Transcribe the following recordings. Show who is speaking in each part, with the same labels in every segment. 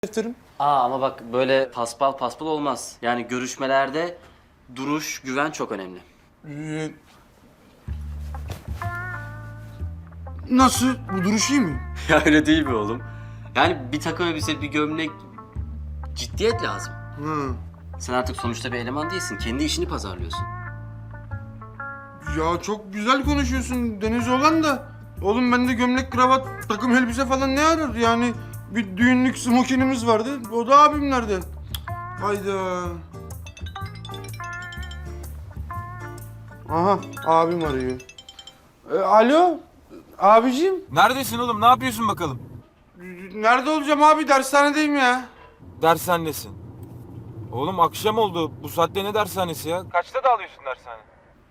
Speaker 1: defterim.
Speaker 2: Ama bak böyle paspal paspal olmaz. Yani görüşmelerde duruş, güven çok önemli.
Speaker 1: Ee, Nasıl? Bu duruş iyi mi?
Speaker 2: Ya öyle değil mi oğlum? Yani bir takım elbise, bir gömlek, ciddiyet lazım.
Speaker 1: Ha.
Speaker 2: Sen artık sonuçta bir eleman değilsin. Kendi işini pazarlıyorsun.
Speaker 1: Ya çok güzel konuşuyorsun Deniz olan da. Oğlum bende gömlek, kravat, takım elbise falan ne arar? Yani bir düğünlük smokinimiz vardı. O da abimlerde. Cık, hayda. Aha abim arıyor. Alo abicim.
Speaker 3: Neredesin oğlum? Ne yapıyorsun bakalım?
Speaker 1: Nerede olacağım abi? Dershanedeyim ya.
Speaker 3: Dershanedesin. Oğlum akşam oldu. Bu saatte ne dershanesi ya? Kaçta dağılıyorsun dershane?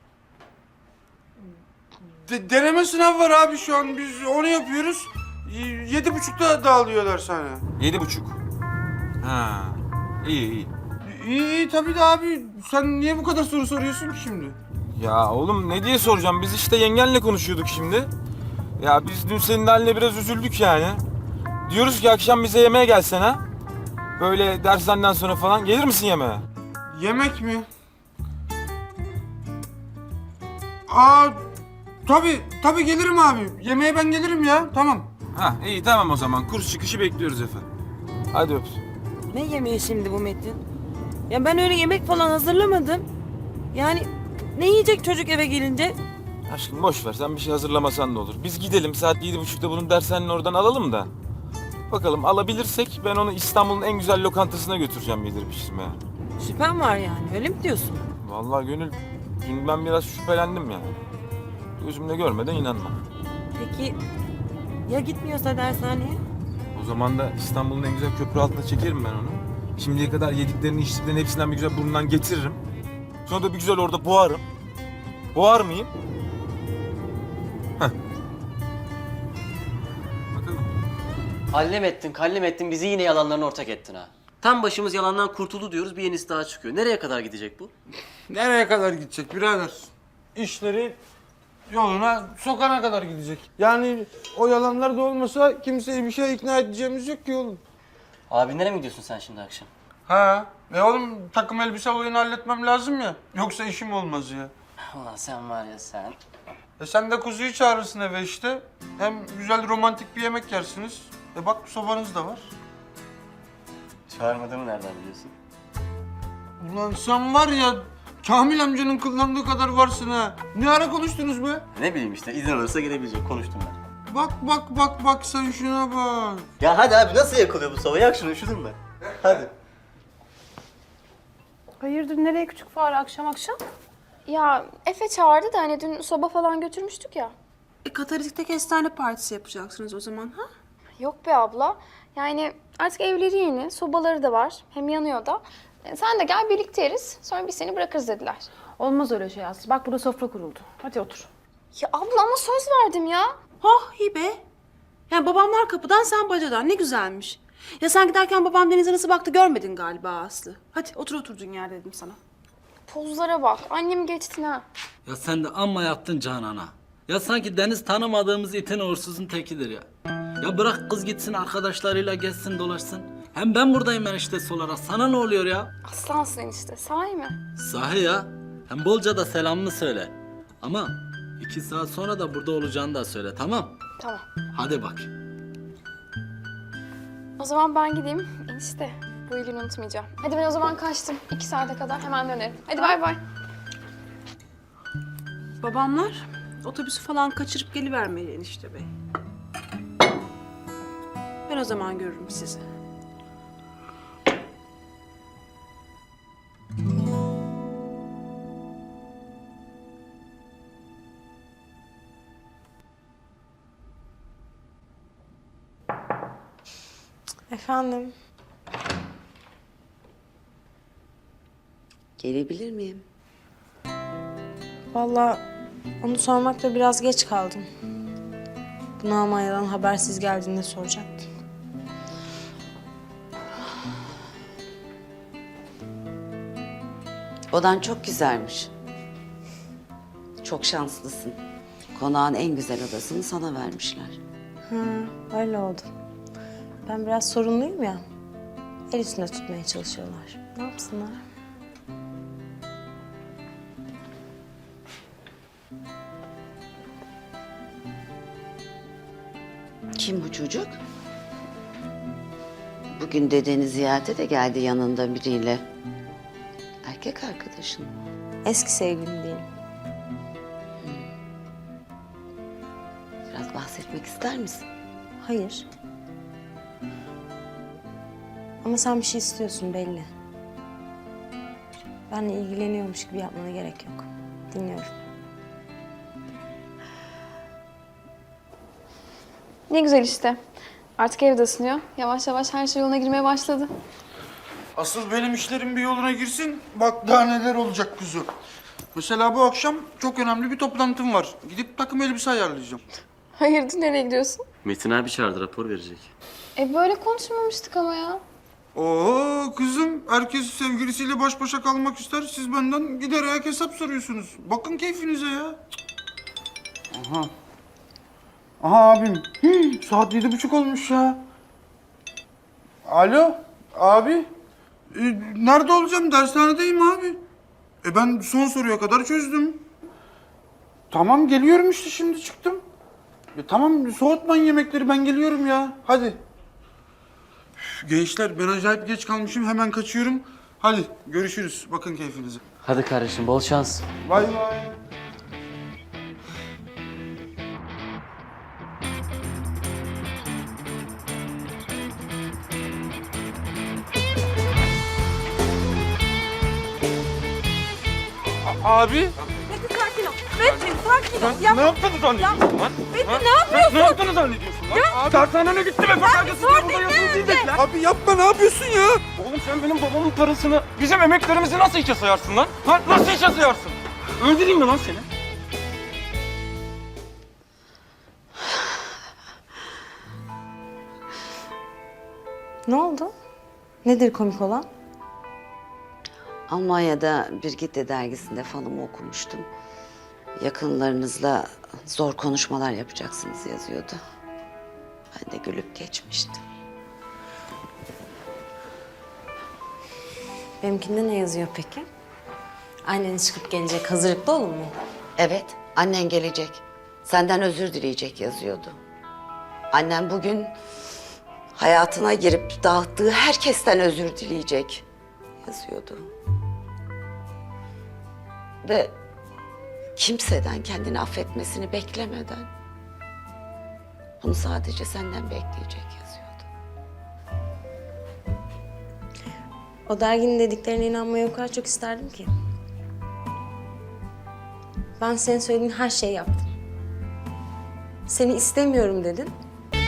Speaker 1: Deneme sınavı var abi şu an. Biz onu yapıyoruz. 7.30'da dağılıyor dershane.
Speaker 3: 7:30. Ha. İyi iyi.
Speaker 1: İyi tabii de abi. Sen niye bu kadar soru soruyorsun ki şimdi?
Speaker 3: Ya oğlum ne diye soracağım? Biz işte yengenle konuşuyorduk şimdi. Ya biz dün senin haline biraz üzüldük yani. Diyoruz ki akşam bize yemeğe gelsene. Böyle dershaneden sonra falan. Gelir misin yemeğe?
Speaker 1: Yemek mi? Aa tabii gelirim abi. Yemeğe ben gelirim ya. Tamam.
Speaker 3: Ha iyi tamam o zaman. Kurs çıkışı bekliyoruz efendim. Hadi öptüm.
Speaker 4: Ne yemeği şimdi bu Metin? Ya ben öyle yemek falan hazırlamadım. Yani ne yiyecek çocuk eve gelince?
Speaker 3: Aşkım boş ver sen bir şey hazırlamasan da olur. Biz gidelim saat 7:30'da bunun dershanenin oradan alalım da. Bakalım alabilirsek ben onu İstanbul'un en güzel lokantasına götüreceğim yedirip içirmeye.
Speaker 4: Şüphem var yani öyle mi diyorsun?
Speaker 3: Vallahi Gönül dün ben biraz şüphelendim yani. Gözümle görmeden inanmam.
Speaker 4: Peki ya gitmiyorsa dershaneye?
Speaker 3: O zaman da İstanbul'un en güzel köprü altına çekerim ben onu. Şimdiye kadar yediklerini içtiklerini hepsinden bir güzel burnundan getiririm. Sonra da bir güzel orada boğarım. Boğar mıyım? Heh. Bakalım.
Speaker 2: Kallem ettin, bizi yine yalanlarına ortak ettin ha. Tam başımız yalandan kurtuldu diyoruz, bir yenisi daha çıkıyor. Nereye kadar gidecek bu?
Speaker 1: Nereye kadar gidecek birader? İşleri yoluna sokana kadar gidecek. Yani o yalanlar da olmasa kimseyi bir şeye ikna edeceğimiz yok ki oğlum.
Speaker 2: Abinlere mi gidiyorsun sen şimdi akşam?
Speaker 1: Ha? Oğlum takım elbise olayını halletmem lazım ya. Yoksa işim olmaz ya.
Speaker 2: Ulan sen var ya sen.
Speaker 1: Sen de kuzuyu çağırırsın eve işte. Hem güzel romantik bir yemek yersiniz. Bak sobanız da var.
Speaker 2: Çağırmadığımı nereden biliyorsun?
Speaker 1: Ulan sen var ya Kamil amcanın kullandığı kadar varsın ha. Ne ara konuştunuz be?
Speaker 2: Ne bileyim işte, izin alırsa gelebilecek, konuştum ben.
Speaker 1: Bak sen şuna bak.
Speaker 2: Ya hadi abi, nasıl yakılıyor bu soba? Yak şunu, üşüdüm ben. Hadi.
Speaker 5: Hayırdır nereye küçük fare akşam akşam?
Speaker 6: Ya Efe çağırdı da hani dün soba falan götürmüştük ya.
Speaker 5: Katalitik'te kestane partisi yapacaksınız o zaman ha?
Speaker 6: Yok be abla. Yani artık evleri yeni, sobaları da var. Hem yanıyor da. Sen de gel birlikte yeriz. Sonra biz seni bırakırız dediler.
Speaker 5: Olmaz öyle şey Aslı. Bak burada sofra kuruldu. Hadi otur.
Speaker 6: Ya abla ama söz verdim ya.
Speaker 5: Oh iyi be. Yani babamlar kapıdan sen bacadan ne güzelmiş. Ya sen giderken babam denize nasıl baktı görmedin galiba Aslı. Hadi otur oturduğun yerde dedim sana.
Speaker 6: Pozlara bak. Annem geçtin ha.
Speaker 7: Ya sen de amma yaptın Canan'a. Ya sanki Deniz tanımadığımız itin uğursuzun tekidir ya. Ya bırak kız gitsin arkadaşlarıyla gezsin dolaşsın. Hem ben buradayım eniştesi olarak. Sana ne oluyor ya?
Speaker 6: Aslansın işte. Sahi mi?
Speaker 7: Sahi ya. Hem bolca da selamını söyle. Ama 2 saat sonra da burada olacağını da söyle, tamam?
Speaker 6: Tamam.
Speaker 7: Hadi bak.
Speaker 6: O zaman ben gideyim. Enişte bu iyiliğini unutmayacağım. Hadi ben o zaman kaçtım. 2 saate kadar hemen dönerim. Hadi bay bay.
Speaker 5: Babamlar otobüsü falan kaçırıp gelivermeli enişte bey. Ben o zaman görürüm sizi.
Speaker 4: Efendim?
Speaker 8: Gelebilir miyim?
Speaker 4: Vallahi onu sormakta biraz geç kaldım. Bunu Almanya'dan habersiz geldiğinde soracaktım.
Speaker 8: Odan çok güzelmiş. Çok şanslısın. Konağın en güzel odasını sana vermişler.
Speaker 4: Öyle oldu. Ben biraz sorunluyum ya. El üstünde tutmaya çalışıyorlar. Ne yapsınlar?
Speaker 8: Kim bu çocuk? Bugün dedeni ziyarete de geldi yanında biriyle. Erkek arkadaşın.
Speaker 4: Eski sevgilim diyelim.
Speaker 8: Biraz bahsetmek ister misin?
Speaker 4: Hayır. Ama sen bir şey istiyorsun belli. Benle ilgileniyormuş gibi yapmana gerek yok. Dinliyorum.
Speaker 6: Ne güzel işte. Artık evde ısınıyor. Yavaş yavaş her şey yoluna girmeye başladı.
Speaker 1: Asıl benim işlerim bir yoluna girsin. Bak daha neler olacak kuzu. Mesela bu akşam çok önemli bir toplantım var. Gidip takım elbise ayarlayacağım.
Speaker 6: Hayırdır, nereye gidiyorsun?
Speaker 2: Metin abi çağırdı, rapor verecek.
Speaker 6: Böyle konuşmamıştık ama ya.
Speaker 1: Oo kızım, herkes sevgilisiyle baş başa kalmak ister. Siz benden gider ayak hesap soruyorsunuz. Bakın keyfinize ya. Aha. Aha abim. Saat 7:30 olmuş ya. Alo abi. Nerede olacağım? Dershanedeyim abi. Ben son soruya kadar çözdüm. Tamam geliyorum işte, şimdi çıktım. Tamam soğutmayın yemekleri, ben geliyorum ya. Hadi. Gençler ben acayip geç kalmışım, hemen kaçıyorum. Hadi görüşürüz, bakın keyfinize.
Speaker 2: Hadi kardeşim, bol şans.
Speaker 1: Bay bay. Abi.
Speaker 4: Metin sakin ol. Metin sakin ol.
Speaker 3: Ne yaptığını zannediyorsun lan?
Speaker 4: Metin ne yapıyorsun?
Speaker 3: Ne yaptığını zannediyorsun lan? Abi dershanene gitti ve fakültesinde burada yazılı diyecekler.
Speaker 1: Abi yapma, ne yapıyorsun ya?
Speaker 3: Oğlum sen benim babamın parasını, bizim emeklerimizi nasıl hiçe sayarsın lan? Ha? Nasıl hiçe sayarsın? Öldüreyim mi lan seni?
Speaker 4: Ne oldu? Nedir komik olan?
Speaker 8: Almanya'da Brigitte dergisinde falımı okumuştum. Yakınlarınızla zor konuşmalar yapacaksınız yazıyordu. Ben de gülüp geçmiştim.
Speaker 4: Benimkinde ne yazıyor peki? Annen çıkıp gelecek, hazırlıklı olun mu?
Speaker 8: Evet, annen gelecek. Senden özür dileyecek yazıyordu. Annem bugün hayatına girip dağıttığı herkesten özür dileyecek yazıyordu. Ve kimseden kendini affetmesini beklemeden bunu sadece senden bekleyecek yazıyordu.
Speaker 4: O derginin dediklerine inanmayı o kadar çok isterdim ki. Ben senin söylediğin her şeyi yaptım. Seni istemiyorum dedin.